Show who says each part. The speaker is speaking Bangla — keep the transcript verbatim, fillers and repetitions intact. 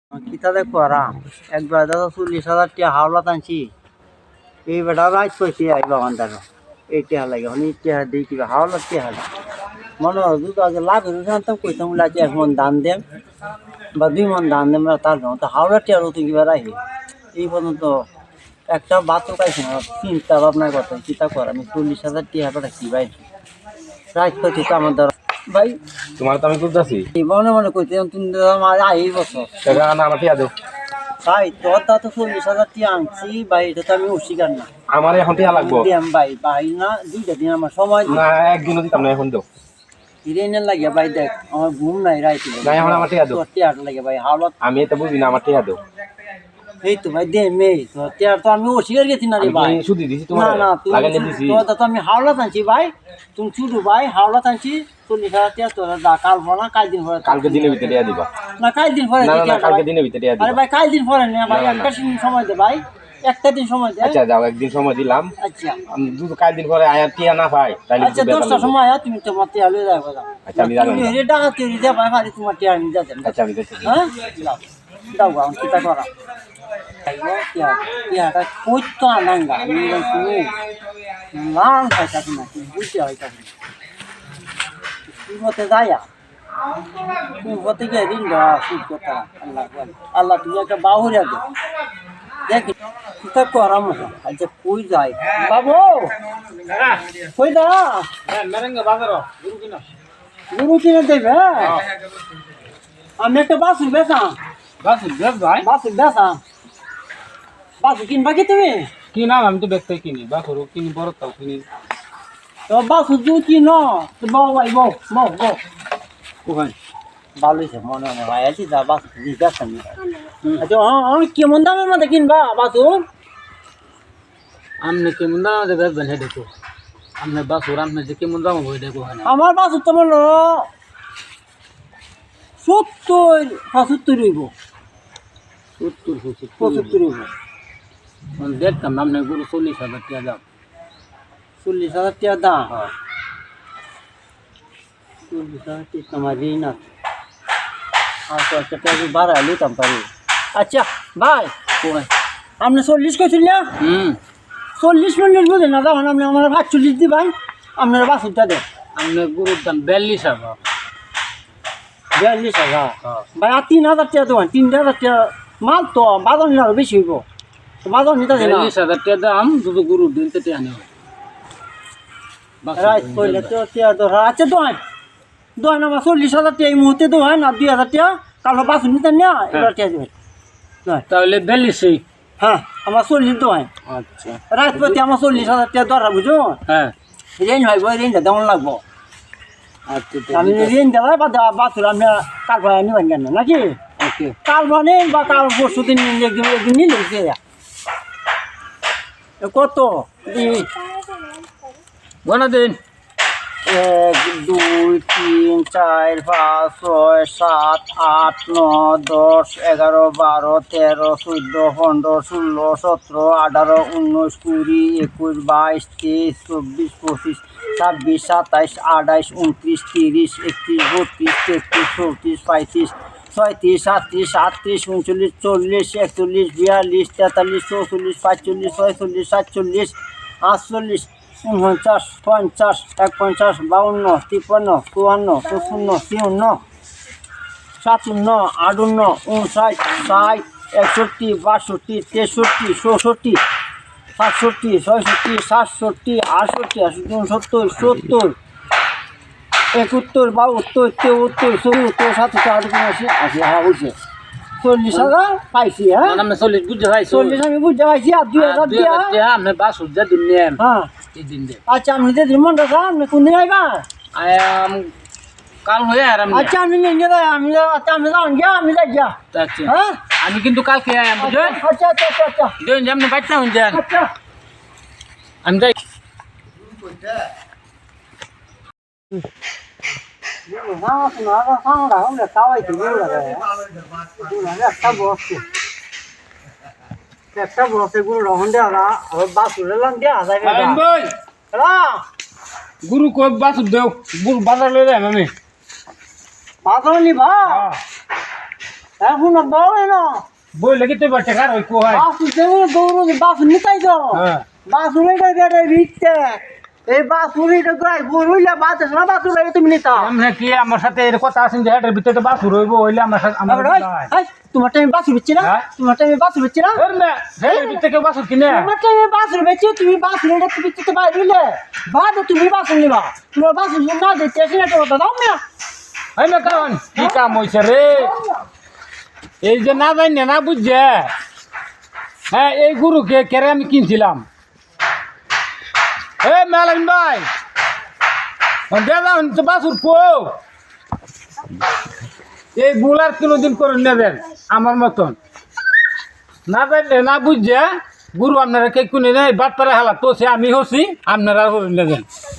Speaker 1: কিতালে করা একবার দাদা চল্লিশ হাজার টাকা হাওলা টানছি এই বেটা রাইট কইছি আইবা বান্দার এই টাকা লাগে হনি টাকা দিই কিবা হাওলা টাকা মনে হয় দুটো আগে লাভ হয়ে জানতাম কইতাম লাগে এক মন দান দেন বা দুই মন দান দেন তার তো হাওলা টাকা তো কিবা রাখি এই পর্যন্ত একটা বাচ্চা পাইছি না চিন্তা ভাবনার কথা চিন্তা কর আমি চল্লিশ হাজার টাকা কি ভাই রাইট কইছি তো আমার ভাই
Speaker 2: তোমার তো আমি বুঝতেছি
Speaker 1: মনে মনে কইতে তুমি এই বছর
Speaker 2: টাকা না আমার টিয়া দাও
Speaker 1: ভাই তোর তা তো চল্লিশ হাজার টাকা আনছি ভাই এটা তো আমি অস্বীকার না
Speaker 2: আমার এখন টিয়া লাগবো
Speaker 1: দিয়াম ভাই ভাই না দুইটা দিন আমার সময়
Speaker 2: না একদিনও দিতাম না এখন দাও
Speaker 1: হিরেনের লাগে ভাই দেখ আমার ঘুম নাই রাইতে
Speaker 2: না এখন আমার টিয়া দাও
Speaker 1: তোর টিয়াটা লাগে ভাই হাওলাত
Speaker 2: আমি এটা বুঝি না আমার টিয়া দাও
Speaker 1: এই তো ভাই দে মে তোর টিয়ার তো আমি অস্বীকার গেছি না রে ভাই
Speaker 2: শুধু দিছি
Speaker 1: না
Speaker 2: তোমার
Speaker 1: না
Speaker 2: লাগে না দিছি
Speaker 1: তোর তো আমি হাওলাত আনছি ভাই তুমি ছুটু ভাই হাওলাত আনছি চল্লিশ হাজার টাকা তোর দা কাল ভরা কাল দিন পরে
Speaker 2: কালকে দিনের ভিতরে টিয়া দিবা
Speaker 1: না কাল দিন পরে
Speaker 2: না না কালকে দিনের ভিতরে টিয়া
Speaker 1: আরে
Speaker 2: দিবা
Speaker 1: ভাই কাল দিন পরে না ভাই একটা দিন সময় দে ভাই একটা দিন সময় দে
Speaker 2: আচ্ছা যাও একদিন সময় দিলাম
Speaker 1: আচ্ছা
Speaker 2: আমি দুটো কাল দিন পরে আয়া টিয়া না পাই তাহলে
Speaker 1: আচ্ছা দশটা সময় আয়া তুমি তোমার টিয়া লয়ে যাবে
Speaker 2: আচ্ছা আমি জানি
Speaker 1: তুমি রে টাকা তৈরি দে ভাই ভাই তোমার টিয়া নিয়ে যাবেন
Speaker 2: আচ্ছা আমি দেখছি
Speaker 1: হ্যাঁ দাও দাও গাও কিটা করা আইও টিয়া টিয়াটা কই তো আনাঙ্গা আমি তুমি লাল খাইতা তুমি বুঝতে হইতা তুমি মতে যায়া তুমি মতে গিয়ে ঋণ দেওয়া সুদ কথা আল্লাহ আল্লাহ তুমি একটা বাহুরিয়া দে দেখ কিতা করা মতো আচ্ছা কই যায় বাবু কই দা
Speaker 2: মেরেঙ্গা বাজার গুরু কিনা
Speaker 1: গুরু কিনে দেবে আমি একটা বাসু বেচা
Speaker 2: বাস বেশ ভাই
Speaker 1: বাসু বেচা বাসু কিনবা কি তুমি
Speaker 2: কি নাম আমি তো ব্যক্তি কিনি বা করো কিনি বড় তাও কিনি
Speaker 1: তো বাসু জু কিন তো বউ ভাই বউ বউ বউ ওখানে ভালোই সে মনে মনে ভাই আছি যা বাসু বেচা নি আচ্ছা হ্যাঁ কেমন দামের মধ্যে কিনবা বাসু
Speaker 2: আমনে কেমন দাম দে বেচবেন হে দেখো আমনে বাসুর আমনে যে কেমন দাম হই দেখো না
Speaker 1: আমার বাসু তো বললো সত্তর পঁচাত্তর হইব
Speaker 2: সত্তর
Speaker 1: পঁচাত্তর হইব
Speaker 2: মানে দেখতাম আমনে গুরু চল্লিশ হাজার টাকা দাম
Speaker 1: চল্লিশ হাজার টাকা দাম চল্লিশ হাজার টাকা আমার ঋণ আছে আর তো একটা টাকা বাড়াই নিতাম পারি আচ্ছা ভাই আপনি চল্লিশ কইছিল না
Speaker 2: হুম
Speaker 1: চল্লিশ মিনিট বুঝেন না তখন আপনি আমার ভাত চল্লিশ দিবেন আপনার বাসুরটা দেন
Speaker 2: আমনে গুরুর দাম বিয়াল্লিশ হাজার
Speaker 1: বিয়াল্লিশ হাজার ভাই আর তিন হাজার টাকা দেবেন তিন হাজার টাকা মাল তো বাজার নিলে আরো বেশি হইব তো বাজার নিতে দেন
Speaker 2: বিয়াল্লিশ হাজার টাকা দাম দুটো গুরুর দিন থেকে আনে
Speaker 1: রাইট কইলে তো টাকা ধরা আচ্ছা দোয়ান দোয়ান আমার চল্লিশ হাজার টাকা এই মুহূর্তে দোয়ান আর দুই হাজার টাকা কালো বাসুর নিতেন না এবার টাকা দেবেন
Speaker 2: তাহলে বিয়াল্লিশই
Speaker 1: হ্যাঁ আমার চল্লিশ দোয়ান
Speaker 2: আচ্ছা
Speaker 1: রাত প্রতি আমার চল্লিশ হাজার টাকা দরকার বুঝো
Speaker 2: হ্যাঁ
Speaker 1: রেঞ্জ হইব রেঞ্জটা দেওয়ান লাগবো
Speaker 2: আচ্ছা
Speaker 1: আমি রেঞ্জ দেওয়ার বা দেওয়া বাসুর আমি কাল ভাড়া নিবেন কেন নাকি
Speaker 2: ওকে
Speaker 1: কাল মানে বা কাল পরশু দিন একদিন একদিন নিলে কত
Speaker 2: বনা দিন
Speaker 1: এক দুই তিন চার পাঁচ ছয় সাত আট নয় দশ এগারো বারো তেরো চোদ্দ পনেরো ষোলো সতেরো আঠারো উনিশ কুড়ি একুশ বাইশ তেইশ চব্বিশ পঁচিশ ছাব্বিশ সাতাইশ আঠাইশ উনত্রিশ তিরিশ একত্রিশ বত্রিশ তেত্রিশ চৌত্রিশ পঁয়ত্রিশ ছয়ত্রিশ সাতত্রিশ আটত্রিশ উনচল্লিশ চল্লিশ একচল্লিশ বিয়াল্লিশ তেতাল্লিশ চৌচল্লিশ পাঁচচল্লিশ ছয়চল্লিশ সাতচল্লিশ আটচল্লিশ উনপঞ্চাশ পঞ্চাশ এক পঞ্চাশ বাউন্ন তিপ্পান্ন চুয়ান্ন পঁচপান্ন তিউন্ন সাতান্ন আটান্ন উনষাট ষাট একষট্টি বাষট্টি তেষট্টি চৌষট্টি সাতষট্টি ছয়ষট্টি সাতষট্টি আটষট্টি আটষট্টি উনসত্তর সত্তর একাত্তর বাহাত্তর তেহত্তর চৌহত্তর সাতষট্টি আটষট্টি আশি আশি হ্যাঁ বুঝছে চল্লিশ হাজার পাইছি হ্যাঁ
Speaker 2: আমি চল্লিশ বুঝতে পাইছি
Speaker 1: চল্লিশ আমি বুঝতে পাইছি আর দুই হাজার দিয়া
Speaker 2: আপনি বাস উজ্জা দিন নেন
Speaker 1: হ্যাঁ
Speaker 2: এই দিন দে
Speaker 1: আচ্ছা আপনি যে মন রাখা আপনি কোন দিন আইবা
Speaker 2: আয়াম কাল হয়ে আর আমি
Speaker 1: আচ্ছা আমি নিয়ে যাই আমি আচ্ছা আমি যান গিয়া আমি যাই গিয়া
Speaker 2: আচ্ছা
Speaker 1: হ্যাঁ
Speaker 2: আমি কিন্তু কালকে আয়াম বুঝলেন
Speaker 1: আচ্ছা আচ্ছা আচ্ছা আচ্ছা
Speaker 2: দেন যেমন বাইতে হন যান
Speaker 1: আচ্ছা
Speaker 2: আমি যাই
Speaker 1: না শোনা না সাউন্ড আমরা কাওয়াই তো বড় লাগে না একটা বসে একটা বসে গুলো রহন দেয়া আর বাসুরে লান দেয়া যায় না
Speaker 2: ভাই
Speaker 1: হ্যালো
Speaker 2: গুরু কো বাস দেও গুরু বাজার লই যাই আমি
Speaker 1: বাজার নি ভা এখন বলে না
Speaker 2: বইলে কি তুই বাচ্চা কার ওই কোহাই
Speaker 1: বাসু যেমন গৌরব বাসু নিতাই তো
Speaker 2: হ্যাঁ
Speaker 1: বাসুরিটা রেটে বিকতে এই বাসুরিটা গাই বইলা বাতে না বাসুরা তুমি নিতা
Speaker 2: আমরা কি আমার সাথে এর কথা আছেন যে হেডের ভিতরে বাসুর হইব হইলে আমার সাথে আমার
Speaker 1: এই তোমার টাইমে বাসু বেচছি না
Speaker 2: হ্যাঁ?
Speaker 1: তোমার টাইমে বাসু বেচছি না
Speaker 2: এর না হেডের ভিতরে কেউ বাসুর কিনে
Speaker 1: তোমার টাইমে বাসু বেচছি তুমি বাসু রেটে তুমি তো বাইরে দিলে বাদে তুমি বাসু নিবা তোমার বাসু না দিতে এসে না তো দাও না
Speaker 2: এই না কারণ কি কাম হইছে রে এই যে না জানি না বুঝছে হ্যাঁ এই গরুকে কেড়ে আমি কিনছিলাম এ মেলাইন ভাই দাদা তো বাসুর কো এই বুলার কোনোদিন করে নেবেন আমার মতন না জানলে না বুঝছে গুরু আপনারা কে কোনে নেই বাদ পারে হালা তো সে আমি হচ্ছি আপনারা করে নেবেন